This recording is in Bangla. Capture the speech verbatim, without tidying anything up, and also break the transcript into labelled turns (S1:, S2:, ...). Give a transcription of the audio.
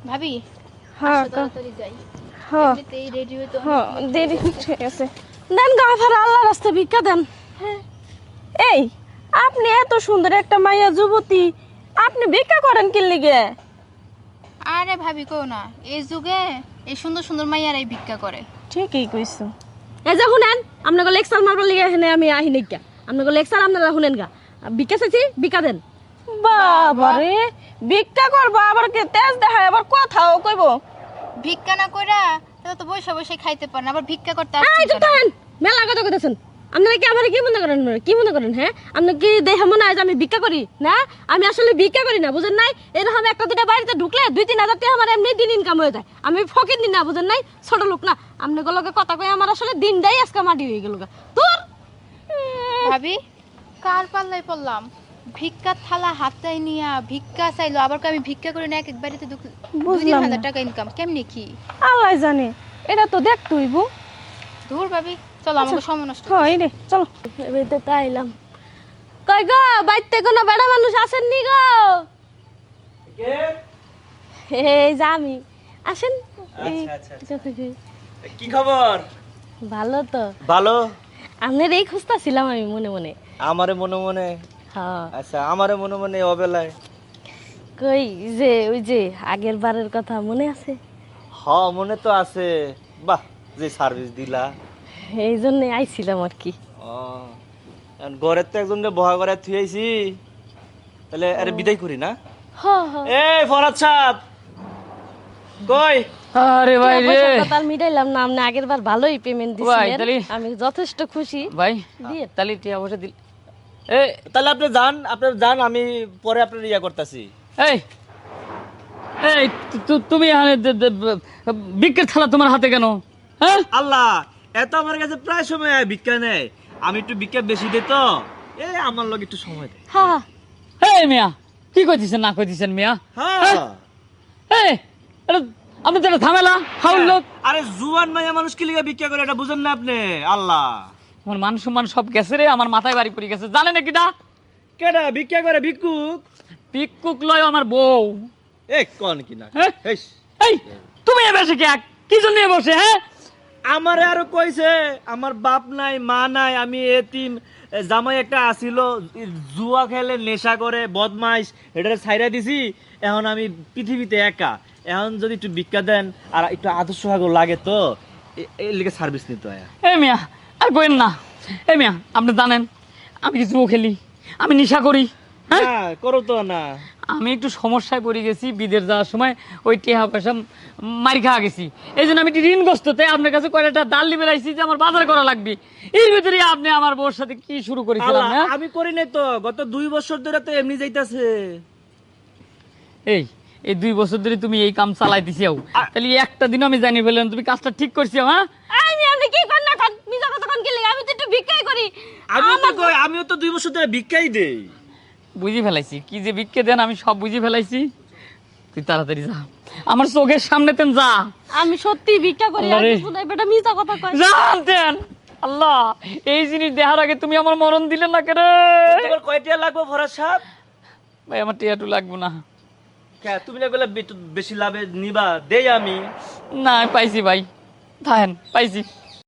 S1: ভাবি
S2: হ্যাঁ
S1: আসো তাড়াতাড়ি যাই।
S2: হ্যাঁ
S1: এমনিতেই রেডি হইতে
S2: হ্যাঁ
S1: অনেক
S2: দেরি ঠিক আছে। দেন গা ভাড়া আল্লাহ রাস্তা ভিক্ষা দেন।
S1: হ্যাঁ
S2: এই আপনি এত সুন্দর একটা মাইয়া যুবতী, আপনি ভিক্ষা করেন কি লিগে?
S1: আরে ভাবি কও না, এই যুগে এই সুন্দর সুন্দর মাইয়ারাই ভিক্ষা করে।
S2: ঠিকই কইছো। এই যে শুনেন, আপনাকে লেকচার মারবার লিগে এখানে আমি আহি নাই গা। আপনাকে লেকচার আপনারা শুনেন গা। ভিক্ষা চাইছি, ভিক্ষা দেন। বাবারে, ভিক্ষা করবো আবার কে তেজ দেখায়, আবার কথাও কইব।
S1: ভিক্ষা না কইরা তাহলে তো বসে বসে খাইতে পারেন, আবার ভিক্ষা করতে
S2: এই
S1: আসছেন
S2: চুপ
S1: কেন?
S2: থাকেন, মেলা কথা কইতেছেন। আপনারা কি আমার কি মনে করেন? কি মনে করেন? হ্যাঁ, আপনি কি দেখে মনে হয় যে আমি ভিক্ষা করি? না, আমি আসলে ভিক্ষা করি না, বুঝেন নাই? এরকম একটা দুটা বাড়িতে ঢুকলে দুই তিন হাজার টাকা আমার এমনি দিন ইনকাম হয়ে যায়। আমি ফকির দিন না, বুঝেন নাই? ছোট লোক না। আপনি গুলোকে কথা কই আমার আসলে দিনটাই আজকে মাটি হয়ে গেল গা। তোর
S1: ভাবি কার পাল্লাই পড়লাম? ভিক্ষার থালা হাতায় নিয়া ভিক্ষা চাইলো, আবার কই আমি ভিক্ষা করি না, এক এক বাড়িতে দুই তিন
S2: বুঝলাম
S1: হাজার
S2: না।
S1: টাকা ইনকাম কেমনে কি?
S2: আল্লাহ জানে, এটা তো দেখতে হইব।
S1: ধুর ভাবি চলো, আমাকে সময় নষ্ট
S2: হয় রে, চলো এবারে তো আইলাম। কই গো, বাইতে কোনো বেড়া মানুষ আসেননি গো? এই যে আমি। আসেন। এই,
S3: আচ্ছা, আচ্ছা,
S2: যত কই।
S3: কি খবর?
S2: ভালো তো।
S3: ভালো।
S2: আপনার এই খুঁজতেছিলাম আমি মনে মনে।
S3: আমারে মনে মনে?
S2: হ্যাঁ।
S3: আচ্ছা, আমারে মনে মনে অবেলায়?
S2: কই যে ওই যে আগের বারের কথা মনে আছে?
S3: হ, মনে তো আছে। বাহ, যে সার্ভিস দিলা।
S2: এই জন্য আইছিলাম আর কি।
S3: ও, এখন ঘরের তো একজনকে বহা করে থুয়েছি, তাহলে আরে বিদায় করি না?
S2: হ হ।
S3: এই ফরাদ সাহেব, কই?
S4: আরে ভাই রে
S2: কথা মিটাইলাম না, আপনি আগের বার ভালোই পেমেন্ট
S4: ভাই,
S2: দিছিলেন।
S4: তাহলে-
S2: আমি যথেষ্ট খুশি।
S4: ভাই
S2: দিয়ে
S4: তাহলে টিয়া বসে দিল। এ
S3: তাহলে আপনি যান, আপনি যান, আমি পরে আপনার ইয়া করতেছি।
S4: এই এই তু- তু- তুমি এখানে দে- দে- ব- ভিক্ষের থালা তোমার হাতে কেন? হ্যাঁ
S3: আল্লাহ, এত আমার কাছে প্রায় সময় আয় ভিক্ষা নেয়, আমি একটু ভিক্ষা বেশি দিই তো, এই আমার লোক একটু সময় দেয়।
S2: হ্যাঁ
S4: এই মিয়া, কি কইতেছেন না কইতেছেন মিয়া?
S3: হ্যাঁ।
S4: এই এটা আপনি তো একটা ঝামেলা হাউল লোক।
S3: আরে জুয়ান মাইয়া মানুষ কি লিগা ভিক্ষা করে এটা বুঝেন না আপনি? আল্লাহ,
S4: আমার মান সম্মান সব গেছে রে, আমার মাথায় বাড়ি পড়ে গেছে। জানেন নাকি না?
S3: কেডা ভিক্ষা করে? ভিক্ষুক?
S4: পিকুক লয় আমার বউ।
S3: এ কোন কি না?
S4: হ্যাঁ?
S3: হেস,
S4: এই তুমি এ বসে কে কি জন্য এ বসে? হ্যাঁ
S3: আমারে আরো কইছে আমার বাপ নাই মা নাই, আমি এতিম, এ জামাই একটা আসিল, জুয়া খেলে নেশা করে বদমাইশ, এটারে ছাইরা দিছি, এখন আমি পৃথিবীতে একা, এখন যদি একটু ভিক্ষা দেন আর একটু আদর্শ ভাগও লাগে তো এ- এর লিগে সার্ভিস নিতে হয়।
S4: এ মিয়া আর কইেন না। এ মিয়া আপনি জানেন আমি কি জুয়ো খেলি, আমি নেশা করি। হ্যাঁ
S3: না করো তো না।
S4: আমি একটু সমস্যায় পড়ে গেছি, বিদেশ যাওয়ার সময় ওই টেহা পয়সা মারি খাওয়া গেছি। এই জন্য আমি একটু ঋণগ্রস্ত, তাই আপনার কাছে কয়টা ডাল নিবে রাখছি যে আমার বাজার করা লাগবে। এর ভিতরে আপনি আমার বউর সাথে কি শুরু করেছিলাম?
S3: আল্লাহ,
S4: হ্যাঁ
S3: আমি করি নাই তো, গত দুই বছর ধরে তো এমনি যাইতাছে।
S4: এই এই দুই বছর ধরে তুমি এই কাম চালাই দিছিও, তাহলে একটা দিন আমি জানি ফেললাম তুমি কাজটা ঠিক করছিও। হ্যাঁ
S2: আমি আপনি কি করেন না করেন, মিজা কথা কোন কি লাগে? আমি তো একটু ভিক্ষাই করি।
S3: আমিও তো কই, আমিও তো দুই বছর ধরে ভিক্ষাই দেই।
S4: বুঝি ফেলাইছি কি যে ভিক্ষে দেন, আমি সব বুঝি ফেলাইছি। তুই তাড়াতাড়ি যা, আমার চোখের সামনে তেন যা।
S2: আমি সত্যি ভিক্ষা করি,
S4: আল্লাহ
S2: আর
S4: রে।
S2: কিছু নাই, বেটা মিজা কথা কয়।
S4: জানতেন আল্লাহ, এই জিনিস দেখার আগে তুমি আমার মরণ দিলে না কেন?
S3: তোমার কয়টা লাগবে ফরাজ সাহেব?
S4: ভাই আমার টিয়াটু লাগবো না।
S3: কে তুমি না বলে বেশি লাভে নিবা, দেই আমি।
S4: না আমি পাইছি ভাই, থাকেন পাইছি।